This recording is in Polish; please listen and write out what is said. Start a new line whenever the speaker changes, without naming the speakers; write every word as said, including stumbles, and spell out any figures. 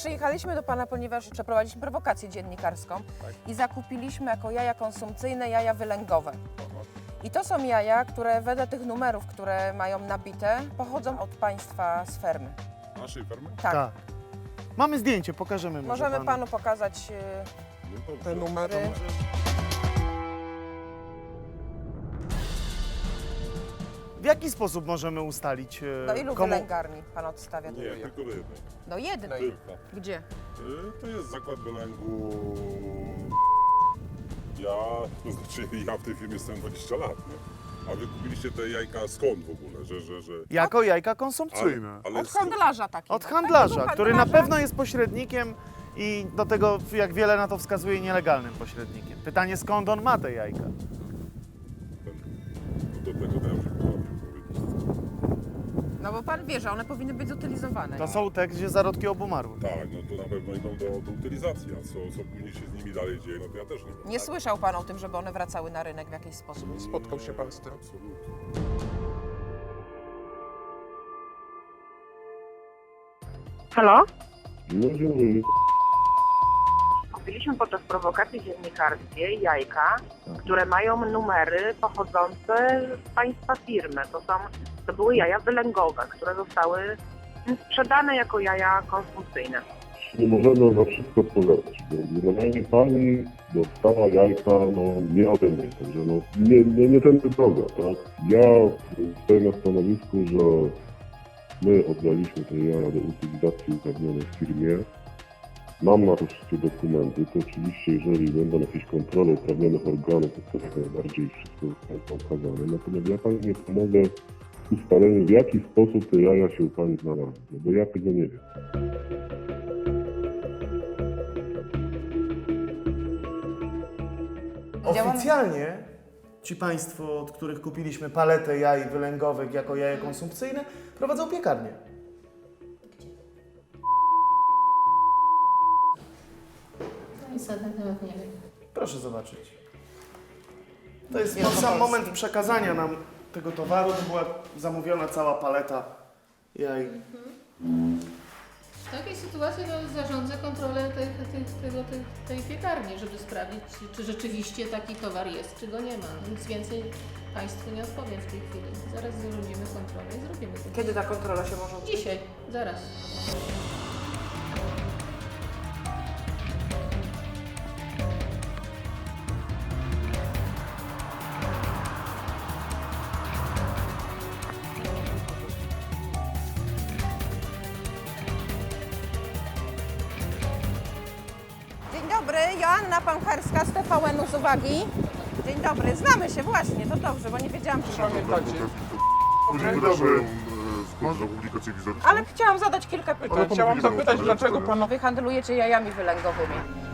przyjechaliśmy do Pana, ponieważ przeprowadziliśmy prowokację dziennikarską
Tak.
i zakupiliśmy jako jaja konsumpcyjne jaja wylęgowe. I to są jaja, które wedle tych numerów, które mają nabite, pochodzą od Państwa z fermy.
Naszej fermy?
Tak.
Tak. Mamy zdjęcie, pokażemy może
Możemy
panu.
Panu pokazać y,
No dobrze.
te numery.
W jaki sposób możemy ustalić, e,
Do ilu
komu...
wylęgarni Pan odstawia?
Nie, tylko do jednej.
Do jednej.
Tylko.
Gdzie?
Y, To jest zakład wylęgu. Ja, to znaczy ja w tej firmie jestem dwadzieścia lat, nie? A wy kupiliście te jajka skąd w ogóle, że, że, że...
Jako jajka konsumpcyjne.
ale
Od
skąd?
handlarza takiego.
Od handlarza,
Takiego
który na
handlarza.
pewno jest pośrednikiem i do tego, jak wiele na to wskazuje, nielegalnym pośrednikiem. Pytanie, skąd on ma te jajka?
No do tego to ja już nie potrafię powiedzieć.
No bo Pan wie, że one powinny być zutylizowane.
To są te, gdzie zarodki obumarły.
Tak, no to na pewno idą do, do utylizacji, a co, co później się z nimi dalej dzieje, no to ja też nie wiem.
Nie słyszał Pan o tym, żeby one wracały na rynek w jakiś sposób?
Spotkał się pan z tym?
Absolutnie.
Halo?
No, dzień
Kupiliśmy podczas prowokacji dziennikarskiej jajka, które mają numery pochodzące z państwa firmy. To są, to były jaja wylęgowe, które zostały sprzedane jako jaja konsumpcyjne.
nie możemy na wszystko odpowiadać, bo generalnie pani dostała jajka, no nie ode mnie, także no nie, nie, nie tędy droga, tak? Ja stoję na stanowisku, że my oddaliśmy te jaja do utylizacji uprawnionej w firmie. Mam na to wszystkie dokumenty, to oczywiście jeżeli będą jakieś kontrole uprawnionych organów, to jak najbardziej wszystko zostanie okazane. Natomiast ja pani nie pomogę w ustaleniu, w jaki sposób te jaja się u pani znalazły, bo ja tego nie wiem.
Oficjalnie ci państwo, od których kupiliśmy paletę jaj wylęgowych jako jaje konsumpcyjne, prowadzą piekarnię.
No niestety nawet nie wiem.
Proszę zobaczyć. To jest
Jest
ten sam
Polski.
moment przekazania nam tego towaru. To była zamówiona cała paleta jaj.
W takiej sytuacji no, zarządzę kontrolę tej, tej, tego, tej, tej piekarni, żeby sprawdzić, czy, czy rzeczywiście taki towar jest, czy go nie ma. Nic więcej Państwu nie odpowiem w tej chwili. Zaraz zrobimy kontrolę i zrobimy to.
Kiedy ta kontrola się może odbyć?
Dzisiaj, zaraz.
Dzień dobry, Joanna Pamcherska z T V N-u z uwagi. Dzień dobry, znamy się właśnie, to dobrze, bo nie wiedziałam, czy
Pamiętacie?
Później wydarzyłem skąd za publikację wizerunkową.
Ale chciałam zadać kilka pytań.
Chciałam zapytać, dlaczego pan...
Wy handlujecie jajami wylęgowymi.